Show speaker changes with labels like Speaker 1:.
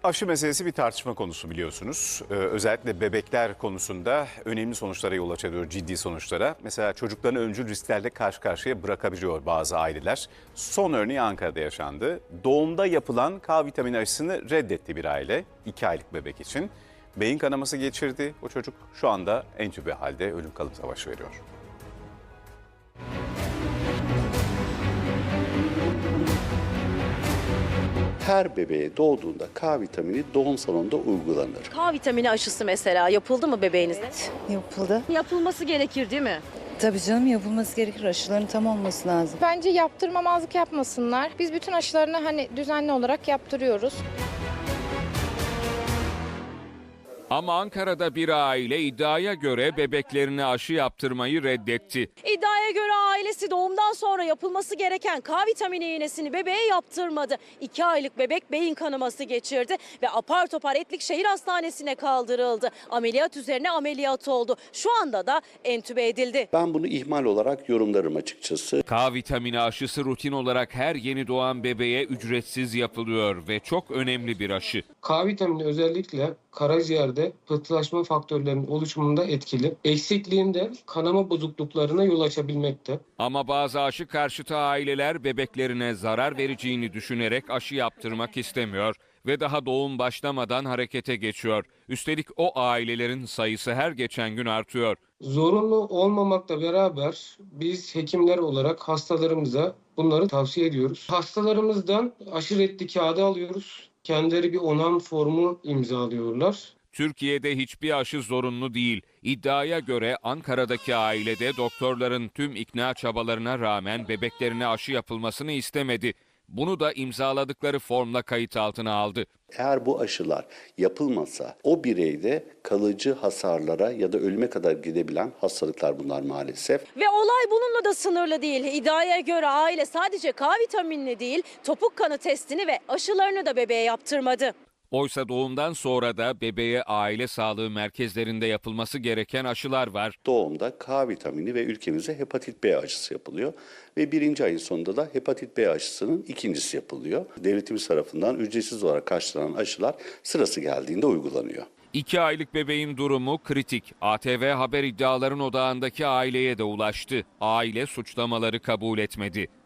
Speaker 1: Aşı meselesi bir tartışma konusu biliyorsunuz. Özellikle bebekler konusunda önemli sonuçlara yol açıyor, ciddi sonuçlara. Mesela çocuklarını öncül risklerle karşı karşıya bırakabiliyor bazı aileler. Son örneği Ankara'da yaşandı. Doğumda yapılan K vitamini aşısını reddetti bir aile 2 aylık bebek için. Beyin kanaması geçirdi. O çocuk şu anda entübe halde ölüm kalım savaşı veriyor.
Speaker 2: Her bebeğe doğduğunda K vitamini doğum salonunda uygulanır.
Speaker 3: K vitamini aşısı mesela yapıldı mı bebeğinizde?
Speaker 4: Yapıldı.
Speaker 3: Yapılması gerekir değil mi?
Speaker 4: Tabii canım, yapılması gerekir. Aşıların tam olması lazım.
Speaker 5: Bence yaptırmamazlık yapmasınlar. Biz bütün aşılarını düzenli olarak yaptırıyoruz.
Speaker 6: Ama Ankara'da bir aile iddiaya göre bebeklerine aşı yaptırmayı reddetti.
Speaker 3: İddiaya göre ailesi doğumdan sonra yapılması gereken K vitamini iğnesini bebeğe yaptırmadı. 2 aylık bebek beyin kanaması geçirdi ve apar topar Etlikşehir Hastanesi'ne kaldırıldı. Ameliyat üzerine ameliyat oldu. Şu anda da entübe edildi.
Speaker 2: Ben bunu ihmal olarak yorumlarım açıkçası.
Speaker 6: K vitamini aşısı rutin olarak her yeni doğan bebeğe ücretsiz yapılıyor ve çok önemli bir aşı.
Speaker 7: K vitamini özellikle karaciğerde pıhtılaşma faktörlerinin oluşumunda etkili. Eksikliğinde kanama bozukluklarına yol açabilmekte.
Speaker 6: Ama bazı aşı karşıtı aileler bebeklerine zarar vereceğini düşünerek aşı yaptırmak istemiyor ve daha doğum başlamadan harekete geçiyor. Üstelik o ailelerin sayısı her geçen gün artıyor.
Speaker 7: Zorunlu olmamakla beraber biz hekimler olarak hastalarımıza bunları tavsiye ediyoruz. Hastalarımızdan aşı reddi kağıdı alıyoruz. Kendileri bir onam formu imzalıyorlar.
Speaker 6: Türkiye'de hiçbir aşı zorunlu değil. İddiaya göre Ankara'daki ailede doktorların tüm ikna çabalarına rağmen bebeklerine aşı yapılmasını istemedi. Bunu da imzaladıkları formla kayıt altına aldı.
Speaker 2: Eğer bu aşılar yapılmasa o bireyde kalıcı hasarlara ya da ölüme kadar gidebilen hastalıklar bunlar maalesef.
Speaker 3: Ve olay bununla da sınırlı değil. İddiaya göre aile sadece K vitaminini değil, topuk kanı testini ve aşılarını da bebeğe yaptırmadı.
Speaker 6: Oysa doğumdan sonra da bebeğe aile sağlığı merkezlerinde yapılması gereken aşılar var.
Speaker 2: Doğumda K vitamini ve ülkemizde hepatit B aşısı yapılıyor. Ve 1. ayın sonunda da hepatit B aşısının ikincisi yapılıyor. Devletimiz tarafından ücretsiz olarak karşılanan aşılar sırası geldiğinde uygulanıyor.
Speaker 6: 2 aylık bebeğin durumu kritik. ATV Haber iddiaların odağındaki aileye de ulaştı. Aile suçlamaları kabul etmedi.